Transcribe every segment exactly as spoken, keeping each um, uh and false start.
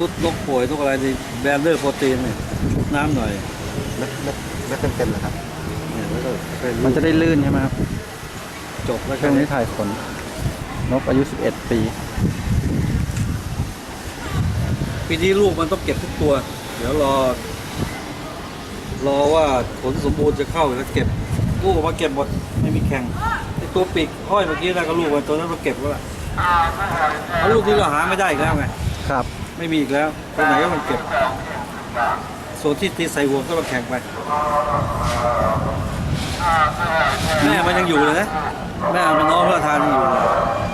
ตุ๊ดนกป่วยนกอะไรนี่แบนเดอร์โปรตีนเนี่ยชุบน้ำหน่อยเม็ดเม็ดเม็ดเต็มๆเลยครับเนี่ยแล้วก็เป็นมันจะได้ลื่นใช่ไหมครับจบแล้วช่วงนี้ถ่ายขนนกอายุสิบเอ็ดปีปีนี้ลูกมันต้องเก็บทุกตัว เดี๋ยวรอ รอว่าผลสมบูรณ์จะเข้าแล้วเก็บลูกออกมาเก็บหมดไม่มีแข่งไอตัวปีกห้อยเมื่อกี้นะก็ลูกมันตัวนั้นเราเก็บแล้วล่ะเอาลูกนี้เราหาไม่ได้อีกแล้วไงครับไม่มีอีกแล้วตัวไหนก็มันเก็บส่วนที่ตีใส่ห่วงก็มาแข่งไปแม่มันยังอยู่เลยนะแม่มันน้องพระทานยังอยู่เลย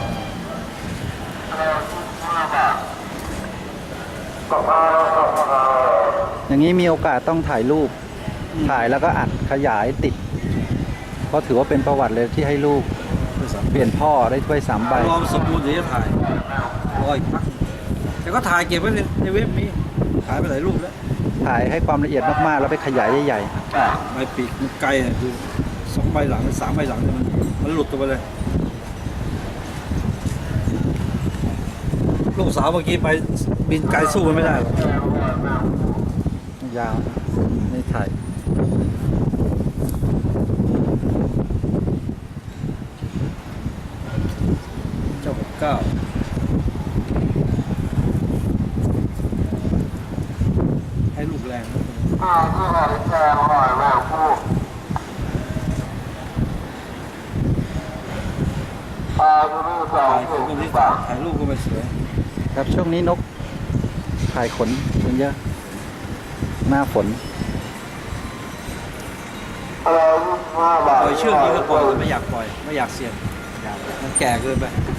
อย่างนี้มีโอกาสต้องถ่ายรูป ถ่ายแล้วก็อัดขยายติด เพราะถือว่าเป็นประวัติเลยที่ให้ลูกเปลี่ยนพ่อได้ถ้วยสามใบรอมนสมบูรณ์เดี๋ยวจะถ่ายรออีกพักแต่ก็ถ่ายเก็บไว้ในในเว็บมีถ่ายไปหลายรูปแล้วถ่ายให้ความละเอียดมากๆ แล้วไปขยายใหญ่ใบปีกมันไกลเนี่ยดูสองใบหลังหรือสามใบหลังเนี่ยมันมันหลุดตัวไปเลยลูกสาวเมื่อกี้ไปบินไกลสู้มันไม่ได้หรอกๆ ยาวนี่ถ่ายเจ้าหกเก้าให้ลูกแรงนะถ่ายรูปนี้ถ่ายรูปก็ไม่สวยครับช่วงนี้นกถ่ายขนมันเยอะ หน้าฝนปล่อยเชือกนี้ก็ปล่อยแต่ไม่อยากปล่อยไม่อยากเสี่ยงมันแก่เกินไป